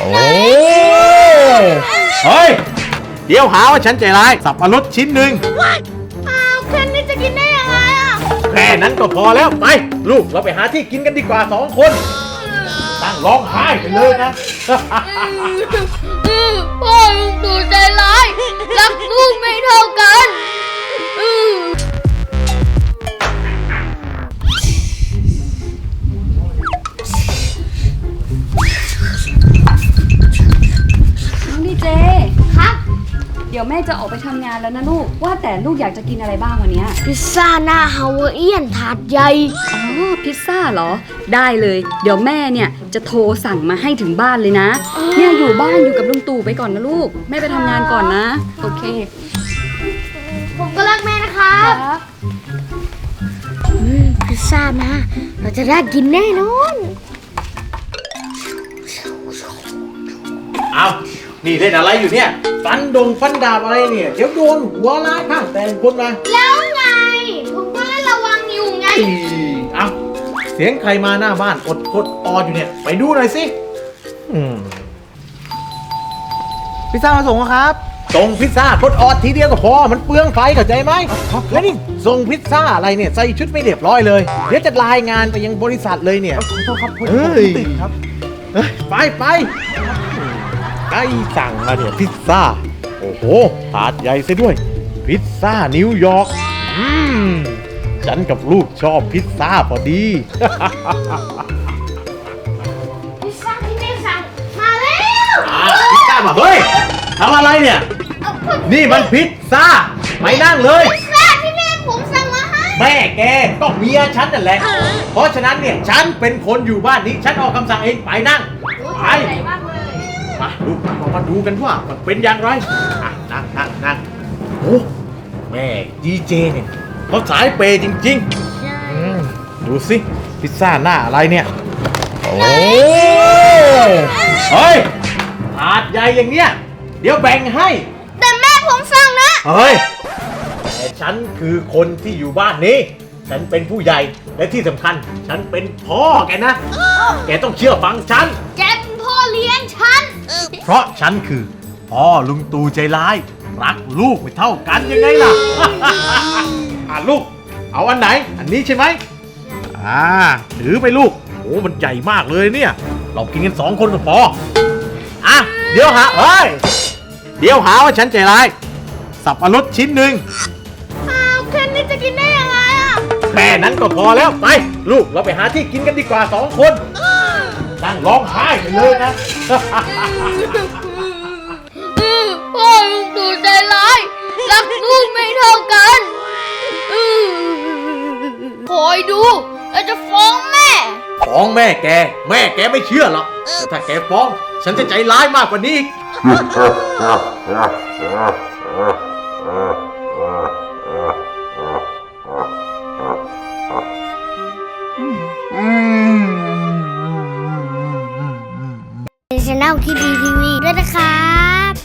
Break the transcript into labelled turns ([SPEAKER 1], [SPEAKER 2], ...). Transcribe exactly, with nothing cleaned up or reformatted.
[SPEAKER 1] โอ้เฮ้ยเดี๋ยวหาว่าฉันใจร้ายสับปะรดชิ้นหนึ่ง
[SPEAKER 2] อ้าวแค่นี้จะกินได้ยังไงอ่ะ
[SPEAKER 1] แค่นั้นก็พอแล้วไปลูกเราไปหาที่กินกันดีกว่าสองคนตั้งร้องไห้ไปเลยนะ
[SPEAKER 2] พ่อลุงตู่ใจร้ายรักลูกไม่เท่ากัน
[SPEAKER 3] น้องดีเจครับเดี๋ยวแม่จะออกไปทำงานแล้วนะลูกว่าแต่ลูกอยากจะกินอะไรบ้างวันนี้
[SPEAKER 2] พิซซ่าหน้าฮาวายเอียนถาดใหญ่
[SPEAKER 3] อ๋อพิซซ่าเหรอได้เลยเดี๋ยวแม่เนี่ยจะโทรสั่งมาให้ถึงบ้านเลยนะเนี่ยอยู่บ้านอยู่กับลุงตู่ไปก่อนนะลูกแม่ไปทำงานก่อนนะโอเค
[SPEAKER 2] ผมก็รักแม่นะครับพิซซ่ามาเราจะได้กินแน่นอน
[SPEAKER 1] เอานี่เล่นอะไรอยู่เนี่ยฟันดงฟันดาบอะไรเนี่ยเดี๋ยวโดนหัวร้ายข้างแต่งคนมา
[SPEAKER 2] แล้วไงผมก็เล่นระวังอยู่ไง
[SPEAKER 1] เอาเสียงใครมาหน้าบ้านอดอดอออยู่เนี่ยไปดูหน่อยสิ
[SPEAKER 4] พิซซ่ามาส่งครับ
[SPEAKER 1] ส่งพิซซ่าอดออดทีเดียวก็พอมันเปลืองไฟเข้าใจไหมแล้วนี่ส่งพิซซ่าอะไรเนี่ยใส่ชุดไม่เรียบร้อยเลยเดี๋ยวจะรายงานไปยังบริษัทเลยเนี่ย
[SPEAKER 4] ขอโทษครับผมติดครับ
[SPEAKER 1] ไปไปไอ้สั่งมาเนี่ยพิซซ่าโอ้โหถาดใหญ่ซะด้วยพิซซ่านิวยอร์กอืมฉันกับลูกชอบพิซซ่าพอดี
[SPEAKER 2] พิซซ่าที่แม่สั่งมาแล้ว
[SPEAKER 1] พิซซ่ามาเฮ้ยทำอะไรเนี่ยนี่มันพิซซ่าไม่นั่งเลย
[SPEAKER 2] พิซซ่าที่แม่ผมสั่งมาให้
[SPEAKER 1] แม่แกก็เมียฉันนั่นแหละเพราะฉะนั้นเนี่ยฉันเป็นคนอยู่บ้านนี้ฉันออกคำสั่งเองไปนั่งไปมาดูมามาดูกันว่ามันเป็นอย่างไรนั่งนั่งนั่งโอ้แม่ดีเจเนี่ยเขาสายเปย์จริงๆดูสิพิซซ่าหน้าอะไรเนี่ยโอ้เฮ้ยถาดใหญ่อย่างเนี้ยเดี๋ยวแบ่งให้
[SPEAKER 2] แต่แม่ผมสั่งนะ
[SPEAKER 1] เฮ้ยแต่ฉันคือคนที่อยู่บ้านนี้ฉันเป็นผู้ใหญ่และที่สำคัญฉันเป็นพ่อแกนะแกต้องเชื่อฟังฉัน
[SPEAKER 2] แกเป็นพ่อเลี้ยงฉัน
[SPEAKER 1] เพราะฉันคือพ่อลุงตู่ใจร้ายรักลูกไม่เท่ากันยังไงล่ะ อ่ะลูกเอาอันไหนอันนี้ใช่ไหมอ่าถือไปลูกโอ้มันใหญ่มากเลยเนี่ยเรากินกันสองคนก็พออ่ะเดี๋ยวหาเฮ้ยเดี๋ยวหาว่าฉันใจร้ายสับปะรดชิ้นหนึ่ง
[SPEAKER 2] อ้าวแค่นี้จะกินได้ยังไงอ่ะ
[SPEAKER 1] แค่นั้นก็พอแล้วไปลูกเราไปหาที่กินกันดีกว่าสองคนนั่งร้องไห้ไปเลยนะ
[SPEAKER 2] พ่อลุงตู่ใจร้ายรักลูกไม่เท่ากันคอยดูเราจะฟ้องแม่
[SPEAKER 1] ฟ้องแม่แกแม่แกไม่เชื่อหรอกแต่ถ้าแกฟ้องฉันจะใจร้ายมากกว่านี้
[SPEAKER 2] ช่อง คิดดี ที วีด้วยนะคะ